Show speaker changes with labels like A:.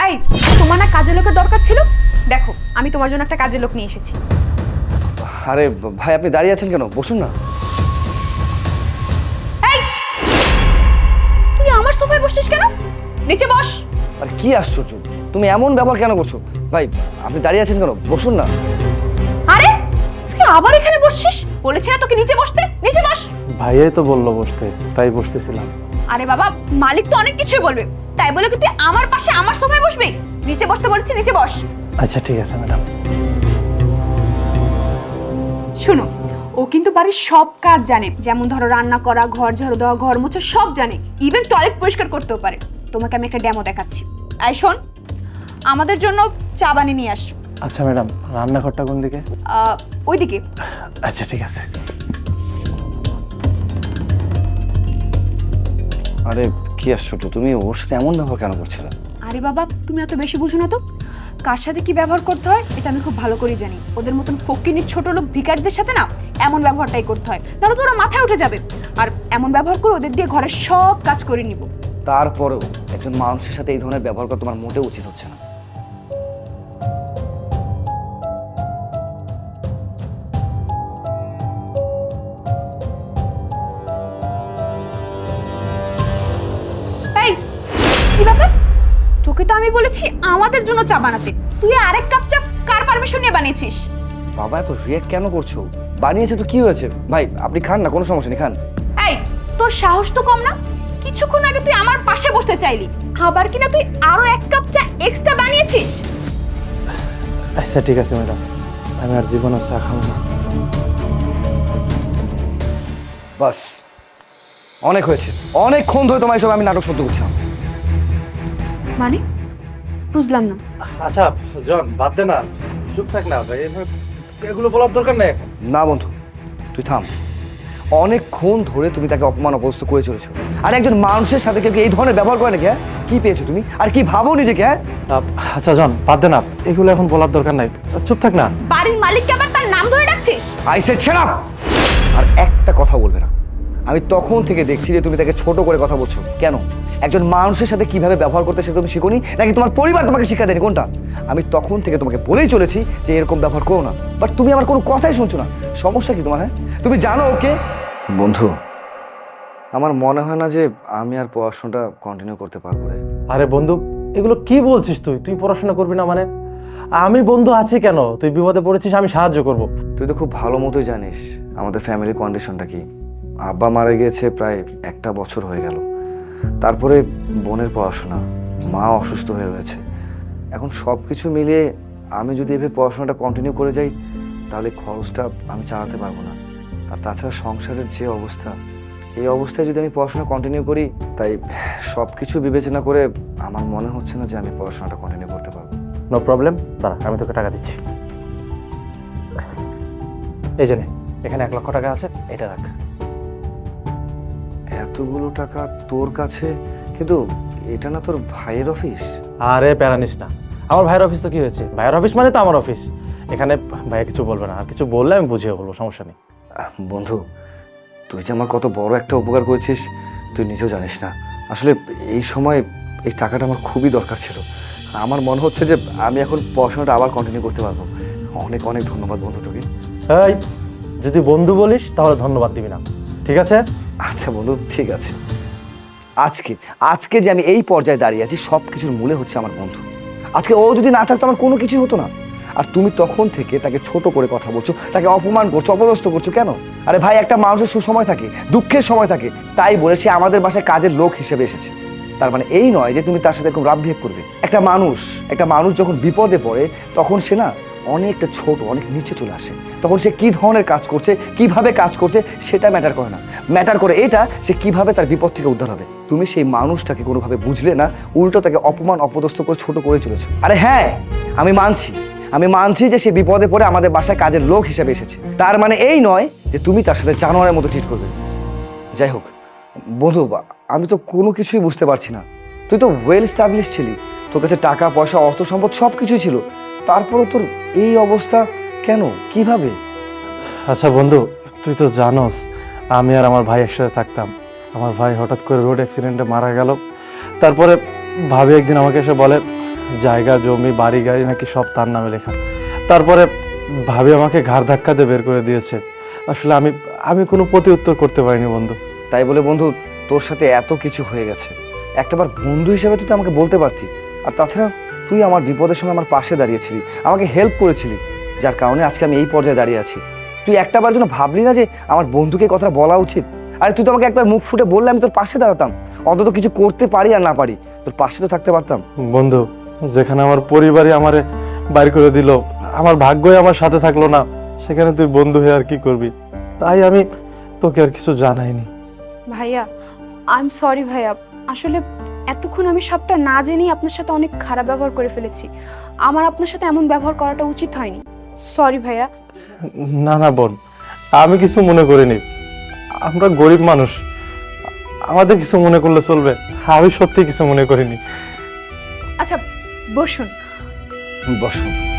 A: এই, তোমার না কাজের লোকের দরকার ছিল? দেখো, আমি তোমার জন্য একটা কাজের লোক নিয়ে এসেছি।
B: আরে ভাই, আপনি দাঁড়িয়ে আছেন কেন? বসুন না।
A: এই, তুই আমার সোফায় বসছিস কেন? নিচে বস।
B: আর কি আশ্চর্য, তুমি এমন ব্যবহার কেন করছো? ভাই, আপনি দাঁড়িয়ে আছেন কেন? বসুন না।
A: আরে, তুই আবার এখানে বসছিস? বলেছি না তোকে নিচে বসতে? নিচে বস।
C: ভাইয়াই তো বললো বসতে, তাই বসতেছিলাম।
A: আরে বাবা, মালিক তো অনেক কিছুই বলবে, তাই বলে কি তুই আমার পাশে আমার সোফায় বসবি? নিচে বসতে বলেছি, নিচে বস।
C: আচ্ছা ঠিক আছে ম্যাডাম।
A: শোনো, ও কিন্তু বাড়ির সব কাজ জানে, যেমন ধরো রান্না করা, ঘর ঝাড়ু দেওয়া, ঘর মোছা সব জানে, ইভেন টয়লেট পরিষ্কার করতেও পারে। তোমাকে আমি একটা ডেমো দেখাচ্ছি। এই শোন, আমাদের জন্য চা বানিয়ে নিয়ে আস।
C: আচ্ছা ম্যাডাম, রান্নাঘরটা কোন দিকে?
A: ওইদিকে।
C: আচ্ছা ঠিক আছে।
B: আরে কি আশ্চর্য, তুমি ওর সাথে এমন ব্যবহার কেন করছিলে?
A: আরে বাবা, তুমি এত বেশি বুঝো না তো। কার সাথে কি ব্যবহার করতে হয় এটা আমি খুব ভালো করেই জানি। ওদের মতন ফকিনীর ছোট লোক ভিখারিদের সাথে না এমন ব্যবহারটাই করতে হয়, তাহলে তো ওরা মাথায় উঠে যাবে। আর এমন ব্যবহার করে ওদের দিয়ে ঘরের সব কাজ করে নিব।
B: তারপরেও একজন মানুষের সাথে এই ধরনের ব্যবহার করা তোমার মোটেও উচিত হচ্ছে না।
A: এই, কি ব্যাপার? তোকে তো আমি বলেছি আমাদের জন্য চা বানাতে, তুই আরেক কাপ চা কার পারমিশন নিয়ে বানিয়েছিস?
B: বাবা, এত রিয়েক্ট কেন করছো? বানিয়েছে তো কি হয়েছে? ভাই, আপনি খান না, কোনো সমস্যা নেই, খান।
A: এই, তোর সাহস তো কম না? কিছুক্ষণ আগে তুই আমার পাশে বসতে চাইলি, আবার কিনা তুই আরো এক কাপ চা এক্সট্রা বানিয়েছিস।
C: আচ্ছা ঠিক আছে ম্যাডাম, আমি আর জীবনে চা খাবো না।
B: বাস, অনেক হয়েছে। অনেকক্ষণ ধরে তোমার সব আমি নাটক সহ্য করছিলাম।
A: মানে বুঝলাম না।
C: আচ্ছা জন, বাদ দে না, চুপ থাক না ভাই, এগুলো বলার দরকার নেই এখন।
B: না বন্ধু, তুই থাম। অনেকক্ষণ ধরে তুমি তাকে অপমান অপদস্থ করে চলেছো। আর একজন মানুষের সাথে কেউ কি এই ধরনের ব্যবহার করে নাকি? হ্যাঁ, কি পেয়েছো তুমি? আর কি ভাবো নিজেকে? হ্যাঁ,
C: আচ্ছা জন, বাদ দে না, এগুলো এখন বলার দরকার নাই, চুপ থাক না।
A: বাড়ির মালিককে আবার তার নাম ধরে ডাকছিস?
B: I said shut up. আর একটা কথা বলবে না। আমি তখন থেকে দেখছি যে তুমি তাকে ছোট করে কথা বলছো। কেন? একজন মানুষের সাথে কিভাবে ব্যবহার করতে সে তুমি শিখোনি, নাকি তোমার পরিবার তোমাকে শিক্ষা দেয়নি? কোনটা? আমি তখন থেকে তোমাকে বলেই চলেছি যে এরকম ব্যবহার করো না, বাট তুমি আমার কোনো কথাই শুনছো না। সমস্যা কি তোমার? হ্যাঁ, তুমি জানো ওকে? বন্ধু, আমার মনে হয় না যে আমি আর পড়াশোনাটা কন্টিনিউ করতে পারবো রে।
C: আরে বন্ধু, এগুলো কি বলছিস? তুই তুই পড়াশোনা করবি না মানে? আমি বন্ধু আছি কেন? তুই বিপদে পড়েছিস, আমি সাহায্য করব।
B: তুই তো খুব ভালো মতোই জানিস আমাদের ফ্যামিলির কন্ডিশনটা কি। আব্বা মারা গিয়েছে প্রায় 1 বছর হয়ে গেল। তারপরে বোনের পড়াশোনা, মা অসুস্থ হয়ে রয়েছে। এখন সব কিছু মিলিয়ে আমি যদি এভাবে পড়াশোনাটা কন্টিনিউ করে যাই, তাহলে খরচটা আমি চালাতে পারবো না। আর তাছাড়া সংসারের যে অবস্থা, এই অবস্থায় যদি আমি পড়াশোনা কন্টিনিউ করি, তাই সব কিছু বিবেচনা করে আমার মনে হচ্ছে না যে আমি পড়াশোনাটা কন্টিনিউ করতে পারবো।
C: নো প্রবলেম, দাঁড়া, আমি তোকে টাকা দিচ্ছি। এই যে নে, এখানে 1 লক্ষ টাকা আছে, এটা রাখ।
B: এতগুলো টাকা তোর কাছে? কিন্তু এটা না তোর ভাইয়ের অফিস?
C: আরে প্যারা নিস না, আমার ভাইয়ের অফিস তো কি হয়েছে? ভাইয়ের অফিস মানে তো আমার অফিস। এখানে ভাইয়া কিছু বলবে না, আর কিছু বললে আমি বুঝিয়ে বলবো, সমস্যা নেই।
B: বন্ধু, তুই যে আমার কত বড় একটা উপকার করেছিস তুই নিজেও জানিস না। আসলে এই সময় এই টাকাটা আমার খুবই দরকার ছিল। আমার মনে হচ্ছে যে আমি এখন পড়াশোনাটা আবার কন্টিনিউ করতে পারবো। অনেক অনেক ধন্যবাদ বন্ধু তোকে।
C: এই, যদি বন্ধু বলিস তাহলে ধন্যবাদ দিবি না, ঠিক আছে?
B: আচ্ছা বন্ধু, ঠিক আছে। আজকে আজকে যে আমি এই পর্যায়ে দাঁড়িয়ে আছি, সব কিছুর মূলে হচ্ছে আমার বন্ধু। আজকে ও যদি না থাকতো আমার কোনো কিছুই হতো না। আর তুমি তখন থেকে তাকে ছোট করে কথা বলছো, তাকে অপমান করছো, অপদস্থ করছো কেন? আরে ভাই, একটা মানুষের সুসময় থাকে, দুঃখের সময় থাকে, তাই বলে সে আমাদের বাসায় কাজের লোক হিসেবে এসেছে। তার মানে এই নয় যে তুমি তার সাথে এরকম রাফ বিহেভ করবে। একটা মানুষ যখন বিপদে পড়ে, তখন সে না অনেকটা ছোট, অনেক নিচে চলে আসে। তখন সে কি ধরনের কাজ করছে, কিভাবে কাজ করছে, সেটা ম্যাটার করে না। ম্যাটার করে এটা, সে কিভাবে তার বিপদ থেকে উদ্ধার হবে। তুমি সেই মানুষটাকে কোনোভাবে বুঝলে না, উল্টো তাকে অপমান অপদস্থ করে ছোট করে চলেছো। আরে হ্যাঁ, আমি মানছি যে সে বিপদে পড়ে আমাদের বাসায় কাজের লোক হিসেবে এসেছে। তার মানে এই নয় যে তুমি তার সাথে জানোয়ারের মতো ট্রিট করবে। যাই হোক বন্ধু, আমি তো কোনো কিছুই বুঝতে পারছি না। তুই তো ওয়েল স্টাবলিশ ছিলি, তোর কাছে টাকা পয়সা, অর্থ সম্পদ সব কিছুই ছিল, তারপরও তোর এই অবস্থা কেন, কিভাবে?
C: আচ্ছা বন্ধু, তুই তো জানোস আমি আর আমার ভাই একসাথে থাকতাম। আমার ভাই হঠাৎ করে রোড অ্যাক্সিডেন্টে মারা গেল। তারপরে ভাবি একদিন আমাকে এসে বলে জায়গা জমি বাড়ি গাড়ি নাকি সব তার নামে লেখা। তারপরে ভাবি আমাকে ঘাড় ধাক্কা দিয়ে বের করে দিয়েছে। আসলে আমি আমি কোনো প্রতি উত্তর করতে পারিনি বন্ধু।
B: তাই বলে বন্ধু তোর সাথে এত কিছু হয়ে গেছে, একটাবার বন্ধু হিসেবে তুই তো আমাকে বলতে পারতি। আর তাছাড়া তুই আমার বিপদের সময় আমার পাশে দাঁড়িয়েছিলি, আমাকে হেল্প করেছিলি, যার কারণে আজকে আমি এই পর্যায়ে দাঁড়িয়ে আছি। তুই একটাবার জন্য ভাবলি না যে আমার বন্ধুকে কথা বলা উচিত? আরে তুই তো আমাকে একবার মুখ ফুটে বললে আমি তোর পাশে দাঁড়াতাম, অন্তত কিছু করতে পারি আর না পারি তোর পাশে তো থাকতে পারতাম।
C: বন্ধু, যেখানে আমার পরিবারই আমারে বাইর করে দিল, আমার ভাগ্যই আমার সাথে থাকলো না, সেখানে তুই বন্ধু হয়ে আর কি করবি? তাই আমি তোকে আর কিছু জানাইনি।
A: ভাইয়া আই এম সরি ভাইয়া, আসলে এতক্ষণ আমি সবটা না জেনেই আপনার সাথে অনেক খারাপ ব্যবহার করে ফেলেছি। আমার আপনার সাথে এমন ব্যবহার করাটা উচিত হয়নি। সরি ভাইয়া।
C: না না বোন, আমি কিছু মনে করিনি। আমরা গরিব মানুষ, আমাদের কিছু মনে করলে চলবে? আমি সত্যি কিছু মনে করিনি।
A: আচ্ছা বসুন।
B: বস।